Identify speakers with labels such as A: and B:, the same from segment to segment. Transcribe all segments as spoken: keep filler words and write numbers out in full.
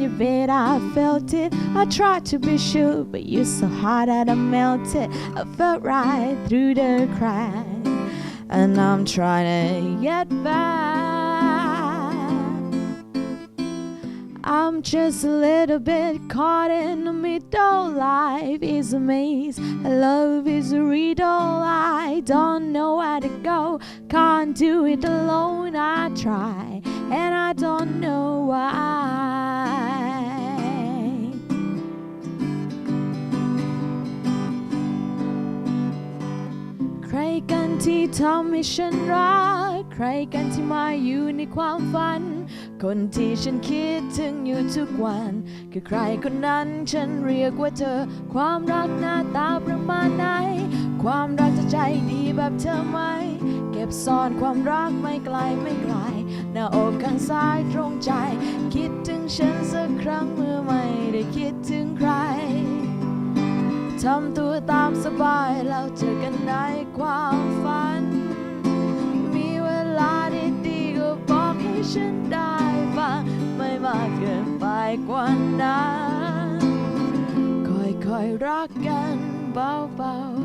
A: bit, I felt it. I tried to be sure, but you're so hot that I melted. I felt right through the crack, and I'm trying to get back. I'm just a little bit caught in the middle. Life is a maze, love is a riddle. I don't know where to go, can't do it alone. I try, and I don't know why. ใครกันที่ทำให้ฉันรักใครกันที่มาอยู่ในความฝันคนที่ฉันคิดถึงอยู่ทุกวันคือใครคนนั้นฉันเรียกว่าเธอความรักหน้าตาประมาณไหนความรักจะใจดีแบบเธอไหมเก็บซ่อนความรักไม่ไกลไม่ไกลหน้าอกข้างซ้ายตรงใจคิดถึงฉันสักครั้งเมื่อไม่ได้คิดถึงใครทำตัวตามสบายแล้วเจอกันในความฝันมีเวลาดีๆก็บอกให้ฉันได้ฟังไม่มากเกินไปกว่านั้นค่อยๆรักกันเบาๆ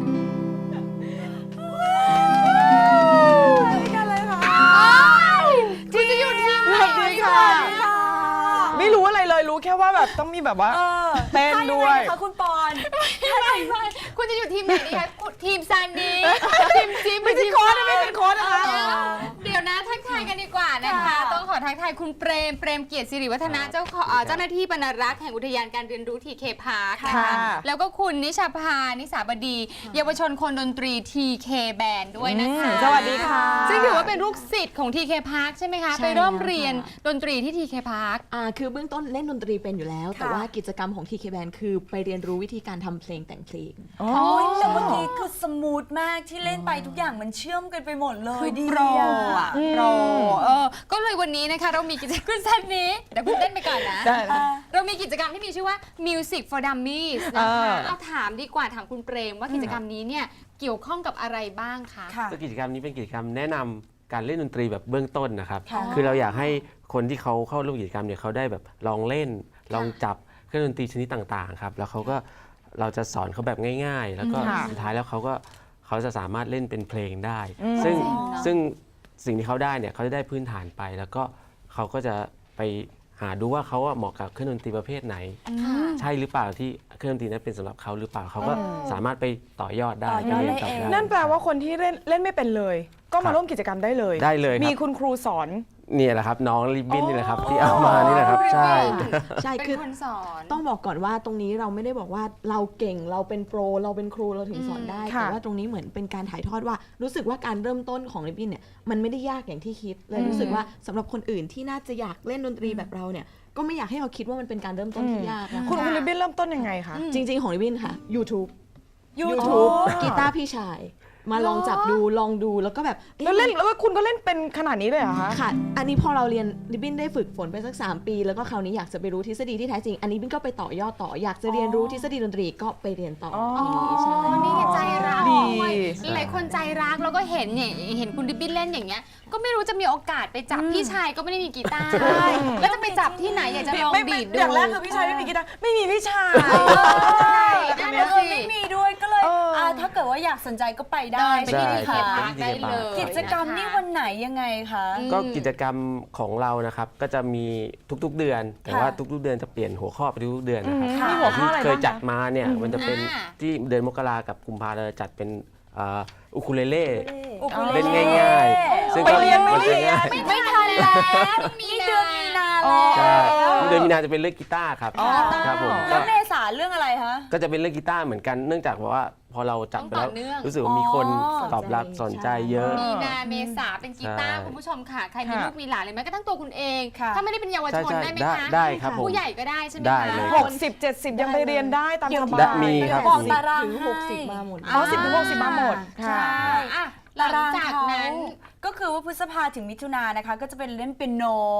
B: กันเลยค่ะ
C: คุณจะอยู่ทีมไหน
B: ค่ะไม่รู้อะไรเลยรู้แค่ว่าแบบต้องมีแบบว่าเต้นด้วย
D: ค่ะคุณปอน
C: คุณจะอยู่ทีมไหนดีคะทีมซันนี่ทีมจิ๊บ
B: ไม่ใช่โค้ชไม่เป็นโค้ชนะคะ
C: เดี๋ยวนะทักทายกันดีกว่านะคะต้องขอทักทายคุณเปรมเปรมเกียรติสิริวัฒนะเจ้าเจ้าหน้าที่บรรณารักษ์แห่งอุทยานการเรียนรู้ทีเคพาร์คนะคะแล้วก็คุณนิชาภานิสาบดีเยาวชนคนดนตรีทีเคแบนด์ด้วยนะคะ
B: สวัสดีค่ะ
C: ซึ่งถือว่าเป็นลูกศิษย์ของทีเคพาร์คใช่ไหมคะไปเริ่มเรียนดนตรีที่ทีเคพาร์ค
A: อ่าคือเบื้องต้นเล่นดนตรีเป็นอยู่แล้วแต่ว่ากิจกรรมของ ที เค Band คือไปเรียนรู้วิธีการทำเพลงแต่งเพลง
D: อ๋อแต่เมื่อกี้คือสมูทมากที่เล่นไปทุกอย่างมันเชื่อมกันไปหมดเลย
C: ดีโปรอ่ะโปรเออก็เลยวันนี้นะคะเรามีกิจกรรมสั้นนี้เดี๋ยวคุณเต้นไปก่อนนะเรามีกิจกรรมที่มีชื่อว่า Music for Dummies นะคะเอาถามดีกว่าถามคุณเปรมว่ากิจกรรมนี้เนี่ยเกี่ยวข้องกับอะไรบ้างคะ
E: กิจกรรมนี้เป็นกิจกรรมแนะนำการเล่นดนตรีแบบเบื้องต้นนะครับคือเราอยากให้คนที่เขาเข้าร่วมกิจกรรมเนี่ยเขาได้แบบลองเล่นลองจับเครื่องดนตรีชนิดต่างๆครับแล้วเขาก็เราจะสอนเขาแบบง่ายๆแล้วก็สุดท้ายแล้วเขาก็เขาจะสามารถเล่นเป็นเพลงได้ซึ่งซึ่งสิ่งที่เขาได้เนี่ยเขาจะได้พื้นฐานไปแล้วก็เขาก็จะไปหาดูว่าเขาเหมาะกับเครื่องดนตรีประเภทไหนใช่หรือเปล่าที่เครื่องดนตรีนั้นเป็นสำหรับเขาหรือเปล่าเขาก็สามารถไปต่อยอดได้ไปเรียนต่อได้
B: นั่นแปลว่าคนที่เล่นเล่นไม่เป็นเลยก็มาร่วมกิจกรรมได้เลย
E: ได้เลย
B: มีคุณครูสอน
E: เนี่ยแหละครับน้องริบบิ้นนี่แหละครับที่เอามานี่แหละครับใช่
A: ใช่คือต้องบอกก่อนว่าตรงนี้เราไม่ได้บอกว่าเราเก่งเราเป็นโปรเราเป็นครูเราถึงสอนได้แต่ว่าตรงนี้เหมือนเป็นการถ่ายทอดว่ารู้สึกว่าการเริ่มต้นของริบบิ้นเนี่ยมันไม่ได้ยากอย่างที่คิดเลยรู้สึกว่าสำหรับคนอื่นที่น่าจะอยากเล่นดนตรีแบบเราเนี่ยก็ไม่อยากให้เราคิดว่ามันเป็นการเริ่มต้นที่ยาก
B: คุณริบบิ้นเริ่มต้นยังไงคะ
A: จริงๆของริบบิ้นค่ะ YouTube
D: YouTube
A: กีตาร์พี่ชายมาลองจับดูลองดูแล้วก็แบบ
B: แล้วเล่นแล้วคุณก็เล่นเป็นขนาดนี้เลยเหรอคะ
A: ค่ะอันนี้พอเราเรียนริบบิ้นได้ฝึกฝนไปสักสามปีแล้วก็คราวนี้อยากจะไปรู้ทฤษฎีที่แท้จริงอันนี้บิ้นก็ไปต่อยอดต่ออยากจะเรียนรู้ทฤษฎีดนตรีก็ไปเรียนต่อ
C: นี่ใช่นี่ใจรักด้วยหลายคนใจรักแล้วก็เห็นเนี่ยเห็นคุณริบบิ้นเล่นอย่างเงี้ยก็ไม่รู้จะมีโอกาสไปจับพี่ชายก็ไม่ได้มีกีตาร์แล้วจะไปจับที่ไหนอยากจะลองดีดดู
B: อย่างแรกคือพี่ชายไม่มีกีตาร์ไม่มีพี่ชาย
D: นั่นเลยไม่มีด้วยก็เลยถ้าเกิดว่าอยากสนใจก็ไปได้
C: ไปที่ทีเคพาร์คได้เลย
D: กิจกรรมนี่วันไหนยังไงคะ
E: ก็กิจกรรมของเรานะครับก็จะมีทุกๆเดือนแต่ว่าทุกๆเดือนจะเปลี่ยนหัวข้อไปทุกๆเดือนนะครับที่เคยจัดมาเนี่ยมันจะเป็นที่เดือนมกรากับกุมภาเราจะจัดเป็นอุคูเลเล่เล่นง่ายๆ
B: ซึ่งไปเรียนไม่ได้
D: ไม่ทันแล้วมีเดือนมีนาแล้ว
E: เดือนมีนาจะเป็นเรื่องกีตาร์ครับครับผม
D: แล้วเมษาเรื่องอะไรคะ
E: ก็จะเป็นเรื่องกีตาร์เหมือนกันเนื่องจากว่าพอเราจับไปแล้วรู้สึกว่ามีคนตอบรับสนใจเยอะ
C: มีนาเมษาเป็นกีตาร์คุณผู้ชมค่ะใครมีลูกมีหลานเลยไหมก็ทั้งตัวคุณเองถ้าไม่ได้เป็นเยาวชนได้ไหมคะ
E: ได้ครับ
C: ผู้ใหญ่ก็ได้ใช่ไหมคะ
B: หกสิบเจ็ดสิบยังไปเรียนได้ตามสบาย
E: มีครับ
D: บอกตาราง
A: ถึงหกสิบมาหมด
B: อ๋อสิบถึงหกสิบมาหมดค่ะ
C: หลังจากนั้น
D: ก็คือว่าพฤษภาถึงมิถุนายนนะคะก็จะเป็นเล่นเปียโน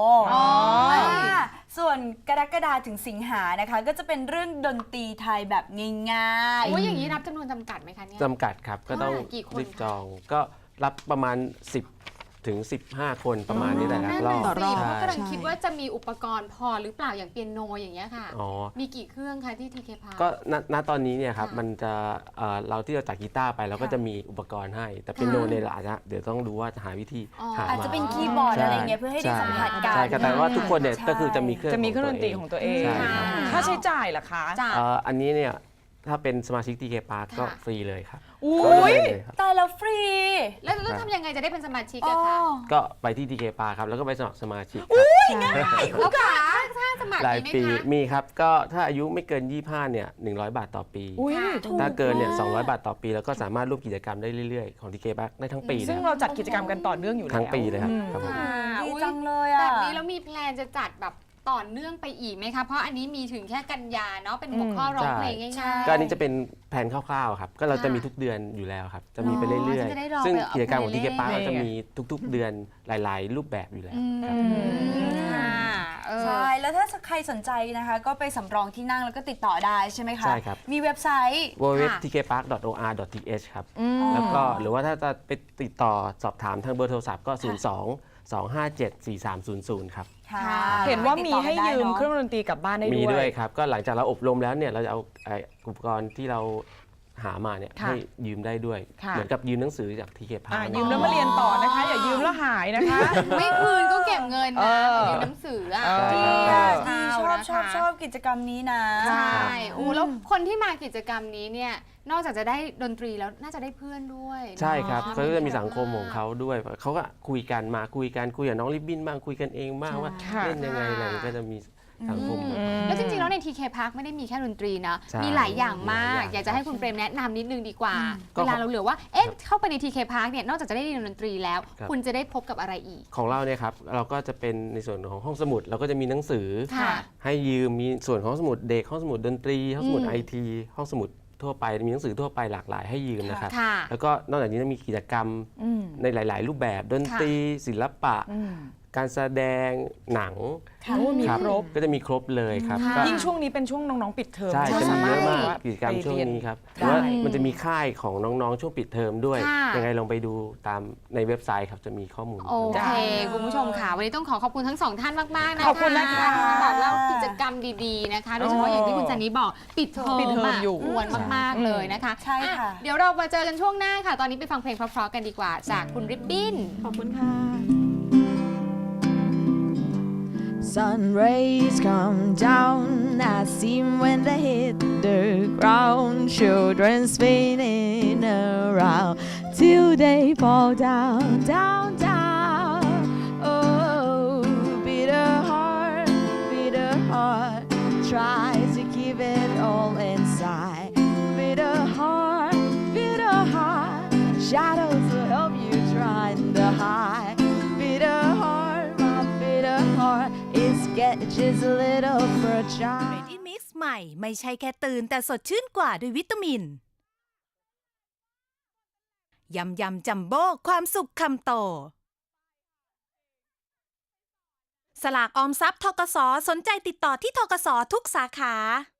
D: ส่วนกรกฎาถึงสิงหานะคะก็จะเป็นเรื่องดนตรีไทยแบบง่าย
C: ๆว่าอย่างนี้รับจำนวนจำกัดไหมคะเนี่ย
E: จำกัดครับก็ต้องรีบจองก็รับประมาณสิบถึงสิบห้าคนประมาณนี้แต่ละรอบ
C: นั่นน่ะสิ
E: ใช่
C: เพราะกำลังคิดว่าจะมีอุปกรณ์พอหรือเปล่าอย่างเปียโนอย่างเงี้ยค่ะ
E: อ๋อ
C: มีกี่เครื่องคะที่ทีเคพา
E: ก็ณณตอนนี้เนี่ยครับ
C: ค่ะ
E: มันจะเอ่อเราที่เราจัดกีตาร์ไปเราก็จะมีอุปกรณ์ให้ แต่เป็นโนเนี่ยเราอาจจะเดี๋ยวต้องดูว่าจะหาวิธี
C: อ๋อ
E: หา
D: อาจ
E: มา
D: จะเป็นคีย์บอร์ดอะไรเงี้ยเพื่อให้ได้สัมผัสกัน
E: ใช่ครับแต่ว่าทุกคนเนี่ย
D: ใช่
E: ก็คือจะมีเครื่อง
B: จะมีเครื่องดนตรีของตัวเอง
E: ใช่ครับ
B: ค่าใช้จ่ายล่ะคะ
C: จ้ะ
E: เอ่ออันนี้เนี่ยถ้าเป็นสมาชิก ที เค Park ก็
C: ค่ะ
E: ฟรีเลยครับ
B: อุ้ย
E: ก็เลยครับ
D: ตายแล้วฟรี
C: แล้วต้องทำยังไงจะได้เป็นสมาชิก
D: อ๋อ
C: อะคะ
E: ก็ไปที่ ที เค Park ครับแล้วก็ไปสมัครสมาชิกครับ
C: แล้วค่ะถ้าสมัคร
E: ราย
C: ดีไหม
E: ปี
C: คะ
E: มีครับก็ถ้าอายุไม่เกินยี่สิบห้าเนี่ยหนึ่งร้อยบาทต่อปี
B: อุ้ย
C: ค่ะ
B: ถูก
E: ถ้าเกินเนี่ยสองร้อยบาทต่อปี แล้วก็สามารถร่วมกิจกรรมได้เรื่อยๆ ของ ที เค Park ได้ทั้งปี
B: ซึ่ง
E: นะค
B: เรา
E: รับ
B: จัดกิจกรรมกันต่อเนื่องอยู่แล้ว
E: ทั้งปีเลยครับ
B: อืม
E: ครับผม
C: ค่ะ
D: ดี
C: อุ๊ย
D: จังเลย
C: แบ
D: อ่ะ
C: บนี้แล้วมีแพลนจะจัดแบบต่อเนื่องไปอีกไหมคะ เพราะอันนี้มีถึงแค่กันยาเนาะเป็นหัวข้อร้องเพลงง่ายๆ
E: ก็อันนี้จะเป็นแผนคร่าวๆครับ ก็เราจะมีทุกเดือนอยู่แล้วครับ จะมีไปเรื่อย
C: อ๋อจะได้ลอง
E: ๆ ซึ่ง
C: ไปเอา
E: กิจกรรมของ
C: ไป
E: ที
C: เล่
E: เคน
C: ๆ
E: Park ก็จะมีทุกๆ เดือนหลายๆ รูปแบบอยู่แล้ว
C: อืม
E: ครับ
C: ค่ะเออ
D: ใช่ แล้วถ้าใครสนใจนะคะ ก็ไปสำรองที่นั่งแล้วก็ติดต่อได้ใช่ไหมคะ
E: ใช่ครับ
D: มีเว็บไซต์
E: ดับเบิลยู ดับเบิลยู ดับเบิลยู ดอท ที เค พาร์ค ดอท โอ อาร์ ดอท ที เอช ครับ แล้วก็หรือว่าถ้าจะไปติดต่อสอบถามทางเบอร์โทรศัพท์ก็ ศูนย์ สอง สอง ห้า เจ็ด สี่ สาม ศูนย์ ศูนย์ ครับ
D: ค่ะ
B: เห็นว่ามีให้ยืม
D: ติดต่อกันได้เนอะ
B: เครื่องดนตรีกลับบ้านได้
E: มี
B: ด้วย
E: ด้วยครับ ก็หลังจากเราอบรมแล้วเนี่ยเราจะเอาไอ้อุปกรณ์ที่เราหามาเนี่ย
B: ค่ะ
E: ให้ยืมได้ด้วย
B: ค่ะ
E: เหมือนกับยืมหนังสือจาก ที เค
B: อ่ะ
E: Park
B: ยืมแล้วมาเรียนต่อนะคะ อย่ายืมแล้วหายนะคะ
C: ไม่คืนก็เก็บเงิน
B: เอ
C: นะ
B: อ
C: ยืมหนังสืออะ
B: เออ
D: ดี
E: ใช่
D: อ่ะ
E: ครับ
D: ดีชอบชอบชอบกิจกรรมนี้นะ
C: ใช่โอ้แล้วคนที่มากิจกรรมนี้เนี่ยนอกจากจะได้ดนตรีแล้วน่าจะได้เพื่อนด้วย
E: ใช่ครับ
C: เนาะ
E: เขาก็จะมีสังคมของเขาด้วยเขาก็คุยกันมาคุยกันคุยกับน้องริบบิ้นบ้างคุยกันเองบ้างว่า
B: ค่ะ
E: เล่นยังไงอะไรก็จะมีสังคม
C: อืมแล้วจริงๆ แล้วใน ที เค Park ไม่ได้มีแค่ดนตรีนะ
E: ใช่
C: มีหลายอย่างมาก
E: หลายอย่าง
C: อยากจะให้คุณเปรมแนะนำนิดนึงดีกว่า
E: ก็
C: เวลาเราเหลือว่า เอ๊ะ เข้าไปใน ที เค Park เนี่ย นอกจากจะได้เรียนดนตรีแล้ว
E: ครับ
C: คุณจะได้พบกับอะไรอีก
E: ของเราเนี่ยครับเราก็จะเป็นในส่วนของห้องสมุดเราก็จะมีหนังสือ
C: ค่ะ
E: ให้ยืมมีส่วนของห้องสมุดเด็กห้องสมุดดนตรีห้องสมุด
C: อืม
E: ไอทีห้องสมุดทั่วไปมีหนังสือทั่วไปหลากหลายให้ยืมนะครับ
C: ค่ะ
E: แล้วก็นอกจากนี้ยังมีกิจกรรม
B: อืม
E: ในหลาย ๆ รูปแบบดนตรี ศิลปะ
B: อืม
E: การแสดงหนัง
B: โอ้มี
E: ครับ
B: ครบ
E: ก็จะมีครบเลยครับ
C: ค่ะ
E: ก็
B: ยิ่งช่วงนี้เป็นช่วงน้องๆปิดเทอม
E: ใช่จะมีเยอะมากกิจกรรม
B: ไป
E: ช่วง
B: เย
E: นี้ครับห
B: ได้
E: รือว่ามันจะมีค่ายของน้อง ๆ ช่วงปิดเทอมด้วย
C: ค่ะ
E: ยังไงลองไปดูตามในเว็บไซต์ครับจะมีข้อมูล
C: โอเค คุณผู้ชมค่ะ วันนี้ต้องขอขอบคุณทั้งสองท่านมาก ๆ นะคะ
B: ขอบคุณนะคะ
C: ที่มาบอกเล่ากิจกรรมดี ๆ นะคะ โดยเฉพาะอย่างที่คุณจันนี้บอกปิดเทอม
B: ปิดเทอมอยู่
C: ะควรมาก ๆ เลยนะคะ
D: ใช่ค่ะ
C: อ่เดี๋ยวเรามาเจอกันช่วงหน้าค่ะ ตอนนี้ไปฟังเพลงเพราะ ๆ กันดีกว่า จากคุณริบบิ้น
A: ขอบคุณค่ะ Sun rays come down, I see 'em when they hit the ground. Children spinning around till they fall down, down, down. Oh, bitter heart, bitter heart, try to keep it all inside. Bitter heart, bitter heart, shadows will help you try to hide. Bitter heart, my bitter heart is get just a little fragile.
F: Ready Mix ใหม่ไม่ใช่แค่ตื่นแต่สดชื่นกว่าด้วยวิตามิน ยำยำจัมโบ้ความสุขคำโต สลากออมทรัพย์ธกสสนใจติดต่อที่ธกสทุกสาขา